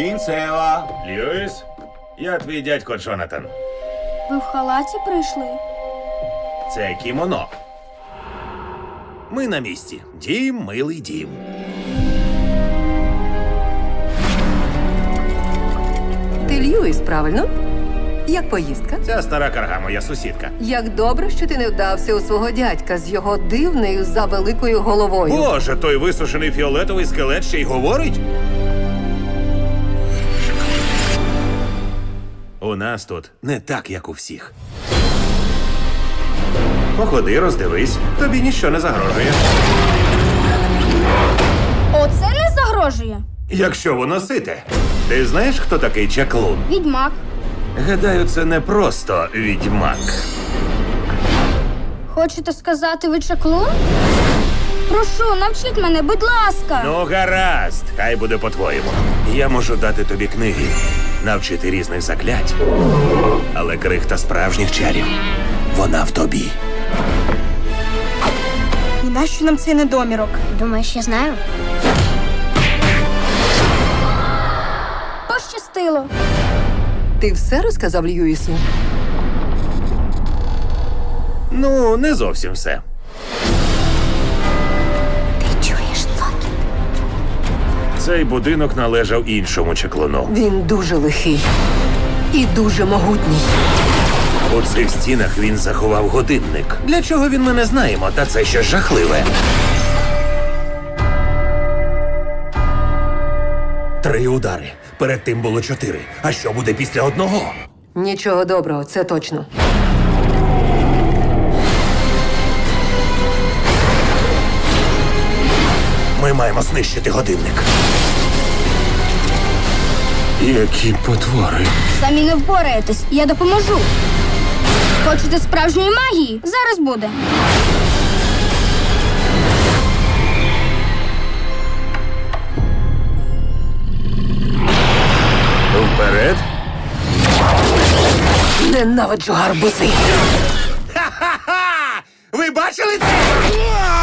Кінцева. Льюіс, я твій дядько Джонатан. Ви в халаті прийшли? Це кімоно. Ми на місці. Дім, милий дім. Ти Льюіс, правильно? Як поїздка? Ця стара карга, моя сусідка. Як добре, що ти не вдався у свого дядька з його дивною завеликою головою. Боже, той висушений фіолетовий скелет ще й говорить? У нас тут не так, як у всіх. Походи, роздивись, тобі ніщо не загрожує. Оце не загрожує. Якщо воно сите. Ти знаєш, хто такий чаклун? Відьмак. Гадаю, це не просто відьмак. Хочете сказати, ви чаклун? Прошу, навчіть мене, будь ласка. Ну, гаразд, хай буде по-твоєму. Я можу дати тобі книги, навчити різних заклять. Але крихта справжніх чарів, вона в тобі. І нащо нам цей недомірок? Думаєш, я знаю? Пощастило. Ти все розказав Льюісу? Ну, не зовсім все. Ти чуєш цокіт? Цей будинок належав іншому чаклуну. Він дуже лихий і дуже могутній. У цих стінах він заховав годинник. Для чого він ми не знаємо, та це щось жахливе. 3 удари. Перед тим було 4. А що буде після одного? Нічого доброго, це точно. Ми маємо знищити годинник. Які потвори. Самі не впораєтесь, я допоможу. Хочете справжньої магії? Зараз буде. Вперед. Ненавиджу гарбузи. Ха-ха-ха! Ви бачили це?